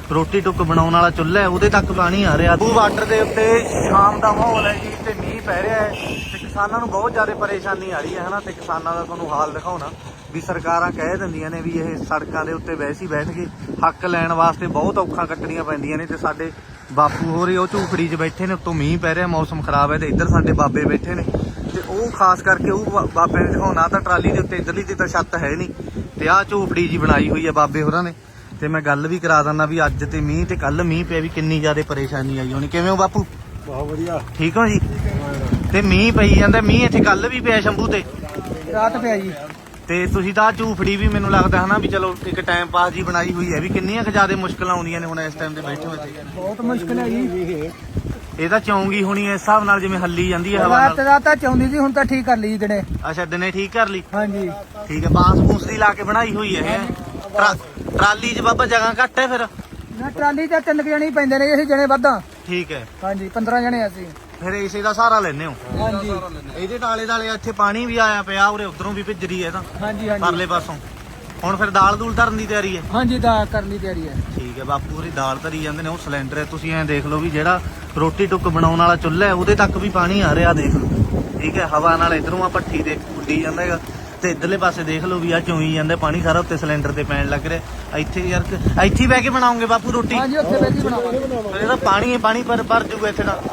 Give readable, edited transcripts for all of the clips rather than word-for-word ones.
ਰੋਟੀ ਟੁੱਕ ਬਣਾਉਣ ਵਾਲਾ ਚੁੱਲ੍ਹਾ ਹੈ ਉਹਦੇ ਤੱਕ ਪਾਣੀ ਆ ਰਿਹਾ। ਉਹ ਬਾਰਡਰ ਦੇ ਉੱਤੇ ਸ਼ਾਮ ਦਾ ਮਾਹੌਲ ਹੈ ਜੀ ਤੇ ਮੀਂਹ ਪੈ ਰਿਹਾ ਹੈ ਤੇ ਕਿਸਾਨਾਂ ਨੂੰ ਬਹੁਤ ਜ਼ਿਆਦਾ ਪਰੇਸ਼ਾਨੀ ਆ ਰਹੀ ਹੈ ਹਨਾ। ਤੇ ਕਿਸਾਨਾਂ ਦਾ ਤੁਹਾਨੂੰ ਹਾਲ ਦਿਖਾਉਣਾ ਵੀ ਸਰਕਾਰਾਂ ਕਹਿ ਦਿੰਦੀਆਂ ਨੇ ਵੀ ਇਹ ਸੜਕਾਂ ਦੇ ਉੱਤੇ ਵੈਸੇ ਹੀ ਬੈਠ ਕੇ ਹੱਕ ਲੈਣ ਵਾਸਤੇ ਬਹੁਤ ਔਖਾਂ ਕੱਟਣੀਆਂ ਪੈਂਦੀਆਂ ਨੇ। ਤੇ ਸਾਡੇ ਬਾਪੂ ਹੋਰੇ ਉਹ ਝੂਪੜੀ 'ਚ ਬੈਠੇ ਨੇ, ਉੱਤੋਂ ਮੀਂਹ ਪੈ ਰਿਹਾ, ਮੌਸਮ ਖਰਾਬ ਹੈ ਤੇ ਇੱਧਰ ਸਾਡੇ ਬਾਬੇ ਬੈਠੇ ਨੇ ਤੇ ਉਹ ਖਾਸ ਕਰਕੇ ਉਹ ਬਾਬੇ ਨੇ ਦਿਖਾਉਣਾ ਤਾਂ ਟਰਾਲੀ ਦੇ ਉੱਤੇ ਇੱਧਰਲੀ ਤੇ ਤਾਂ ਛੱਤ ਹੈ ਨਹੀਂ ਤੇ ਆਹ ਝੂਪੜੀ ਜੀ ਬਣਾਈ ਹੋਈ ਹੈ ਬਾਬੇ ਹੋਰਾਂ ਨੇ। ਤੇ ਮੈਂ ਗੱਲ ਵੀ ਕਰਾ ਦਿੰਦਾ ਵੀ ਅੱਜ ਤੇ ਮੀਂਹ ਤੇ ਕੱਲ ਮੀਂਹ ਪਿਆ ਵੀ ਕਿੰਨੀ ਜ਼ਿਆਦਾ ਪਰੇਸ਼ਾਨੀ ਆਈ ਹੋਣੀ। ਕਿਵੇਂ ਹੋ ਬਾਪੂ? ਬਹੁਤ ਵਧੀਆ, ਠੀਕ ਹੋ ਜੀ? ਤੇ ਮੀਂਹ ਪਈ ਜਾਂਦਾ, ਮੀਂਹ ਇੱਥੇ ਕੱਲ ਵੀ ਪਿਆ ਸ਼ੰਭੂ ਤੇ ਰਾਤ ਪਿਆ ਜੀ। ਤੇ ਤੁਸੀਂ ਤਾਂ ਝੂਪੜੀ ਵੀ ਮੈਨੂੰ ਲੱਗਦਾ ਹਨਾ ਵੀ ਚਲੋ ਇੱਕ ਟਾਈਮ ਪਾਸ ਜੀ ਬਣਾਈ ਹੋਈ ਹੈ ਵੀ ਕਿੰਨੀਆਂ ਕੁ ਜ਼ਿਆਦਾ ਮੁਸ਼ਕਲਾਂ ਆਉਂਦੀਆਂ ਨੇ ਹੁਣ ਇਸ ਟਾਈਮ ਤੇ ਬੈਠੇ ਹੋਏ ਤੇ? ਬਹੁਤ ਮੁਸ਼ਕਿਲ ਹੈ ਜੀ। ਇਹ ਤਾਂ ਚੌਂਗੀ ਹੋਣੀ ਇਸ ਹਿਸਾਬ ਨਾਲ ਜਿਵੇਂ ਹੱਲੀ ਜਾਂਦੀ ਹੈ ਹਵਾ ਨਾਲ। ਰਾਤ ਤਾਂ ਚਾਹੁੰਦੀ ਸੀ, ਹੁਣ ਤਾਂ ਠੀਕ ਕਰ ਲਈ ਦਿਨੇ। ਅੱਛਾ ਦਿਨੇ ਠੀਕ ਕਰ ਲਈ? ਹਾਂਜੀ ਠੀਕ ਹੈ। ਬਾਂਸ ਬੂਸ ਦੀ ਲਾ ਕੇ ਬਣਾਈ ਹੋਈ ਹੈ ਇਹ। ਟਰਾਲੀ 'ਚ ਬਾਬਾ ਜਗ੍ਹਾ ਘੱਟ ਹੈ ਫਿਰ? ਨਾ ਟਰਾਲੀ ਤਾਂ 3 ਜਣੇ ਹੀ ਪੈਂਦੇ ਨੇ, ਅਸੀਂ ਜਣੇ ਵੱਧਾ। ਠੀਕ ਹੈ। ਹਾਂਜੀ 15 ਜਣੇ ਅਸੀਂ। ਫਿਰ ਇਸੇ ਦਾ ਸਹਾਰਾ ਲੈਨੇ ਹੋ? ਹਾਂਜੀ ਇਹਦੇ ਟਾਲੇ ਟਾਲੇ ਇੱਥੇ ਪਾਣੀ ਵੀ ਆਇਆ ਪਿਆ, ਉਰੇ ਉਧਰੋਂ ਵੀ ਭਿੱਜ ਰਹੀ ਹੈ ਤਾਂ ਹਾਂਜੀ ਹਾਂਜੀ ਪਰਲੇ ਪਾਸੋਂ। ਹੁਣ ਫਿਰ ਦਾਲ ਦੂਲ ਧਰਨ ਦੀ ਤਿਆਰੀ ਹੈ? ਹਾਂਜੀ ਤਾਂ ਕਰਨ ਦੀ ਤਿਆਰੀ ਹੈ। ਠੀਕ ਹੈ। ਬਾਪੂ ਹੋਰੀ ਦਾਲ ਧਰੀ ਜਾਂਦੇ ਨੇ, ਉਹ ਸਿਲੰਡਰ ਹੈ। ਤੁਸੀਂ ਐਂ ਦੇਖ ਲਓ ਵੀ ਜਿਹੜਾ ਰੋਟੀ ਟੁੱਕ ਬਣਾਉਣ ਵਾਲਾ ਚੁੱਲ੍ਹਾ ਹੈ ਉਹਦੇ ਤੱਕ ਵੀ ਪਾਣੀ ਆ ਰਿਹਾ ਦੇਖ ਲਓ। ਠੀਕ ਹੈ। ਹਵਾ ਨਾਲ ਇਧਰੋਂ ਆ ਭੱਠੀ ਦੇ ਉੱਡੀ ਜਾਂਦਾ ਹੈਗਾ ਤੇ ਇਧਰਲੇ ਪਾਸੇ ਦੇਖ ਲਓ ਵੀ ਆ ਚੋਈ ਜਾਂਦਾ ਪਾਣੀ ਸਾਰਾ ਉੱਤੇ ਸਿਲੰਡਰ ਤੇ ਪੈਣ ਲੱਗ ਰਿਹਾ। ਇੱਥੇ ਯਾਰ ਇੱਥੇ ਹੀ ਬਹਿ ਕੇ ਬਣਾਉਂਗੇ ਬਾਪੂ ਰੋਟੀ? ਹਾਂਜੀ ਉੱਥੇ ਬੈਠੀ ਬਣਾਵਾਂਗੇ। ਫਿਰ ਇਹਦਾ ਪਾਣੀ ਹੈ, ਪਾਣੀ ਭਰ ਜੂਗਾ ਇੱਥੇ ਦਾ।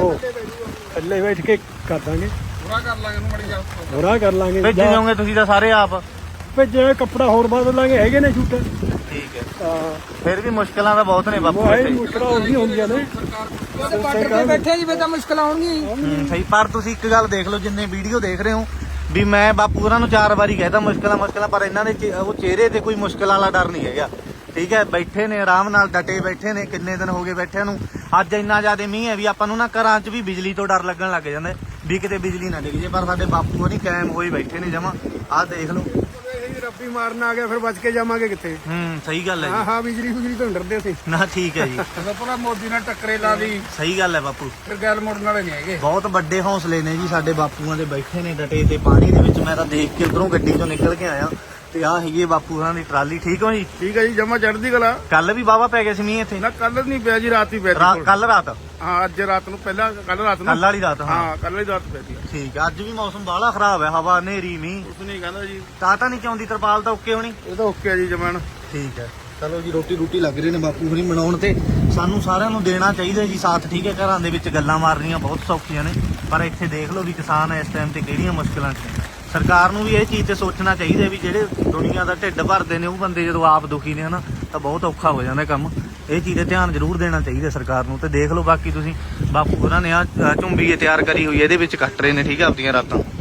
ਥੱਲੇ ਬੈਠ ਕੇ ਕਰ ਦਾਂਗੇ, ਬੁਰਾ ਕਰ ਲਾਂਗੇ ਇਹਨੂੰ, ਮੜੀ ਜਾ ਬੁਰਾ ਕਰ ਲਾਂਗੇ। ਭੇਜੀ ਜਾਓਗੇ ਤੁਸੀਂ ਤਾਂ ਸਾਰੇ ਆਪ? ਭੇਜੇ ਕੱਪੜਾ ਹੋਰ ਬਦਲ ਲਾਂਗੇ, ਹੈਗੇ ਨੇ ਛੂਟ। ਠੀਕ ਹੈ। ਫਿਰ ਵੀ ਮੁਸ਼ਕਲਾਂ ਤਾਂ ਬਹੁਤ ਨੇ ਬਾਪੂ ਇੱਥੇ। ਮੁਸ਼ਕਲਾਂ ਉਹੀ ਹੁੰਦੀਆਂ ਨੇ, ਬਾਰਡਰ ਤੇ ਬੈਠੇ ਜੀ, ਫਿਰ ਤਾਂ ਮੁਸ਼ਕਲਾਂ ਆਉਣਗੀਆਂ। ਸਹੀ। ਪਰ ਤੁਸੀਂ ਇੱਕ ਗੱਲ ਦੇਖ ਲਓ, ਜਿੰਨੇ ਵੀਡੀਓ ਦੇਖ ਰਹੇ ਹੋ ਵੀ ਮੈਂ ਬਾਪੂ ਉਹਨਾਂ ਨੂੰ 4 ਵਾਰੀ ਕਹਿਤਾ ਮੁਸ਼ਕਲਾਂ, ਪਰ ਇਹਨਾਂ ਦੇ ਉਹ ਚਿਹਰੇ ਤੇ ਕੋਈ ਮੁਸ਼ਕਲ ਵਾਲਾ ਡਰ ਨਹੀਂ ਹੈਗਾ। ਠੀਕ ਹੈ। ਬੈਠੇ ਨੇ ਆਰਾਮ ਨਾਲ, ਡਟੇ ਬੈਠੇ ਨੇ। ਕਿੰਨੇ ਦਿਨ ਹੋ ਗਏ ਬੈਠਿਆਂ ਨੂੰ। ਅੱਜ ਇੰਨਾ ਜ਼ਿਆਦਾ ਮੀਂਹ ਹੈ ਵੀ ਆਪਾਂ ਨੂੰ ਨਾ ਘਰਾਂ 'ਚ ਵੀ ਬਿਜਲੀ ਤੋਂ ਡਰ ਲੱਗਣ ਲੱਗ ਜਾਂਦਾ ਵੀ ਕਿਤੇ ਬਿਜਲੀ ਨਾ ਡਿੱਗ ਜੇ। ਪਰ ਸਾਡੇ ਬਾਪੂ ਨਹੀਂ, ਕਾਇਮ ਹੋਏ ਬੈਠੇ ਨੇ ਜਮਾਂ। ਆਹ ਦੇਖ ਲਓ। ਰੱਬੀ ਮਾਰਨ ਆ ਗਿਆ, ਫਿਰ ਬਚ ਕੇ ਜਾਵਾਂਗੇ ਕਿੱਥੇ? ਸਹੀ ਗੱਲ ਹੈ। ਹਾਂ ਬਿਜਲੀ ਤੋਂ ਡਰਦੇ ਸੀ ਨਾ। ਠੀਕ ਹੈ ਜੀ। ਪੂਰਾ ਮੋਦੀ ਨਾਲ ਟੱਕਰੇ ਲਾ ਲਈ। ਸਹੀ ਗੱਲ ਹੈ ਬਾਪੂ। ਫਿਰ ਗੱਲ ਮੁੜਨ ਵਾਲੇ ਨਹੀਂ ਹੈਗੇ। ਬਹੁਤ ਵੱਡੇ ਹੌਸਲੇ ਨੇ ਜੀ ਸਾਡੇ ਬਾਪੂਆਂ ਦੇ, ਬੈਠੇ ਨੇ ਡਟੇ ਤੇ ਪਾਣੀ ਦੇ ਵਿੱਚ। ਮੈਂ ਤਾਂ ਦੇਖ ਕੇ ਉਧਰੋਂ ਗੱਡੀ ਚੋਂ ਨਿਕਲ ਕੇ ਆਇਆ ਤੇ ਆਹ ਹੈਗੀ ਬਾਪੂ ਹੋਰਾਂ ਦੀ ਟਰਾਲੀ। ਠੀਕ ਹੋ ਜੀ? ਠੀਕ ਹੈ ਜੀ, ਜਮਾ ਚੜ੍ਹਦੀ ਕਲਾ। ਕੱਲ ਵੀ ਵਾਹਵਾ ਪੈ ਗਿਆ ਸੀ ਮੀਂਹ ਇੱਥੇ? ਨਾ ਕੱਲ ਨਹੀਂ ਪਿਆ ਜੀ, ਰਾਤ ਹੀ ਪਿਆ। ਕੱਲ ਰਾਤ? ਹਾਂ ਅੱਜ ਰਾਤ ਨੂੰ, ਪਹਿਲਾਂ ਕੱਲ ਰਾਤ ਨੂੰ। ਕੱਲ ਵਾਲੀ ਰਾਤ? ਹਾਂ ਕੱਲ ਵਾਲੀ ਰਾਤ ਪਈ। ਠੀਕ ਹੈ। ਅੱਜ ਵੀ ਮੌਸਮ ਬਾਹਲਾ ਖਰਾਬ ਹੈ, ਹਵਾ ਹਨੇਰੀ ਮੀਂਹ। ਕੁਛ ਨਹੀਂ ਕਹਿੰਦਾ ਜੀ। ਤਾਂ ਨਹੀਂ ਚਾਹੁੰਦੀ ਤਰਪਾਲ ਤਾਂ ਓਕੇ ਹੋਣੀ? ਇਹ ਤਾਂ ਓਕੇ ਜੀ ਜਮਾਨ। ਠੀਕ ਹੈ। ਚਲੋ ਜੀ, ਰੋਟੀ ਲੱਗ ਰਹੀ ਨੇ ਬਾਪੂ ਹੋਰੀ ਬਣਾਉਣ ਤੇ ਸਾਨੂੰ ਸਾਰਿਆਂ ਨੂੰ ਦੇਣਾ ਚਾਹੀਦਾ ਜੀ ਸਾਥ। ਠੀਕ ਹੈ। ਘਰਾਂ ਦੇ ਵਿੱਚ ਗੱਲਾਂ ਮਾਰਨੀਆਂ ਬਹੁਤ ਸੌਖੀਆਂ ਨੇ, ਪਰ ਇੱਥੇ ਦੇਖ ਲਓ ਵੀ ਕਿਸਾਨ ਇਸ ਟਾਈਮ ਤੇ ਕਿਹੜੀਆਂ ਮੁਸ਼ਕਲਾਂ 'ਚ ਨੇ। ਸਰਕਾਰ ਨੂੰ ਵੀ ਇਹ ਚੀਜ਼ ਤੇ ਸੋਚਣਾ ਚਾਹੀਦਾ ਵੀ ਜਿਹੜੇ ਦੁਨੀਆ ਦਾ ਢਿੱਡ ਭਰਦੇ ਨੇ ਉਹ ਬੰਦੇ ਜਦੋਂ ਆਪ ਦੁਖੀ ਨੇ ਹਨਾ ਤਾਂ ਬਹੁਤ ਔਖਾ ਹੋ ਜਾਂਦਾ ਕੰਮ। ਇਹ ਚੀਜ਼ ਤੇ ਧਿਆਨ ਜ਼ਰੂਰ ਦੇਣਾ ਚਾਹੀਦਾ ਸਰਕਾਰ ਨੂੰ। ਤੇ ਦੇਖ ਲਓ ਬਾਕੀ ਤੁਸੀਂ ਬਾਪੂ ਹੋਰਾਂ ਨੇ ਆ ਝੁੰਬੀ ਤਿਆਰ ਕਰੀ ਹੋਈ ਹੈ, ਇਹਦੇ ਵਿੱਚ ਕੱਟ ਰਹੇ ਨੇ। ਠੀਕ ਹੈ। ਆਪਦੀਆਂ ਰਾਤਾਂ